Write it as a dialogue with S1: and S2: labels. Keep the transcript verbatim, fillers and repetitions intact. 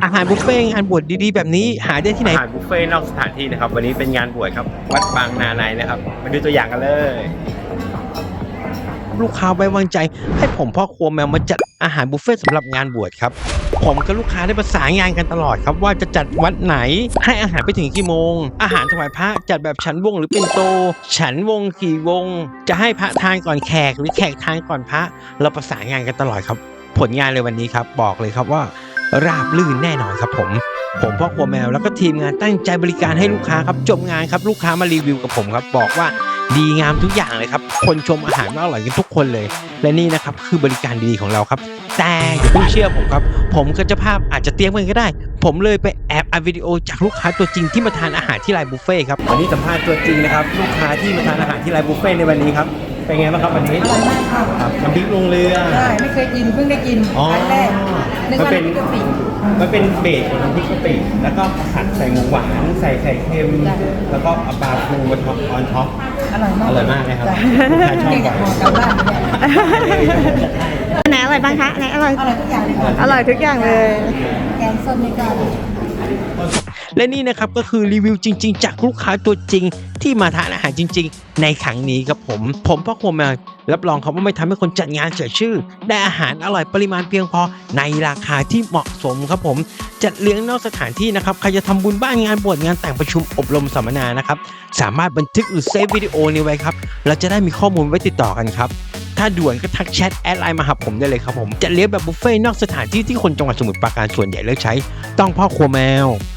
S1: อาหารบุฟเฟ่ต์งานบวชดีๆแบบนี้หาได้ที่ไหน
S2: อาหารบุฟเฟ่ต์นอกสถานที่นะครับวันนี้เป็นงานบวชครับวัดบางนาในนะครับมาดูตัวอย่างกันเลย
S1: ลูกค้าไว้วางใจให้ผมพ่อครัวแมวมาจัดอาหารบุฟเฟ่ต์สำหรับงานบวชครับผมกับลูกค้าได้ประสานงานกันตลอดครับว่าจะจัดวัดไหนให้อาหารไปถึงกี่โมงอาหารถวายพระจัดแบบฉันวงหรือเป็นโตฉันวงกี่วงจะให้พระทานก่อนแขกหรือแขกทานก่อนพระเราประสานงานกันตลอดครับผลงานเลยวันนี้ครับบอกเลยครับว่าราบรื่นแน่นอนครับผมผมพ่อครัวแมวแล้วก็ทีมงานตั้งใจบริการให้ลูกค้าครับจบงานครับลูกค้ามารีวิวกับผมครับบอกว่าดีงามทุกอย่างเลยครับคนชมอาหารว่าอร่อยกันทุกคนเลยและนี่นะครับคือบริการดีๆของเราครับแต่อย่าเพิ่งเชื่อผมครับผมกับเจ้าภาพอาจจะเตรียมกันก็ได้ผมเลยไปแอบอัดวิดีโอจากลูกค้าตัวจริงที่มาทานอาหารที่ไลน์บุฟเฟ่ครับ
S2: วันนี้สัมภาษณ์ตัวจริงนะครับลูกค้าที่มาทานอาหารที่ร้านบุฟเฟ่ต์ในวันนี้ครับเป็นไงบ้างครับวันนี้
S3: อร่อยมากค่ะ
S2: ครับน้ำพริกลงเรือ
S3: ใช่ไม่เคยกินเพิ่งได้กิน
S2: อ๋อ
S3: ครั้งแรกนึก
S2: มัน
S3: ว่า
S2: เป็น
S3: น้ำพริกกะปิ
S2: มันเป็นเบสของน้ำพริกกะปิแล้วก็ผัดใส่หมูหวานใส่ไข่เค็มแล้วก็เอาปลาทูบนท็อปออนท็อป
S3: อร่อยมาก
S2: อร่อยมากเลยครับ
S3: จ้ะ
S2: ลูกค้าชอบ
S3: เก่ง
S2: กว่า
S3: กับหอกลับบ้านเนี่ย
S4: อันไหนอร่อยบ้างคะอันไหนอร่อย
S3: อร่อยทุกอย่างเลยค่ะ
S4: อร่อยทุกอย่างเลย
S3: แกงส้มนี่ก็อร่อย
S1: และนี่นะครับก็คือรีวิวจริงๆจากลูกค้าตัวจริงที่มาทานอาหารจริงๆในครั้งนี้ครับผมผมพ่อครัวแมวรับรองครับว่าไม่ทำให้คนจัดงานเสียชื่อได้อาหารอร่อยปริมาณเพียงพอในราคาที่เหมาะสมครับผมจัดเลี้ยงนอกสถานที่นะครับใครจะทำบุญบ้านงานบวชงานแต่งประชุมอบรมสัมมนานะครับสามารถบันทึกหรือเซฟวิดีโอนี้ไว้ครับเราจะได้มีข้อมูลไว้ติดต่อกันครับถ้าด่วนก็ทักแชทแอดไลน์มาหาผมได้เลยครับผมจัดเลี้ยงแบบบุฟเฟ่ต์นอกสถานที่ที่คนจังหวัดสมุทรปราการส่วนใหญ่เลือกใช้ต้องพ่อครัวแมว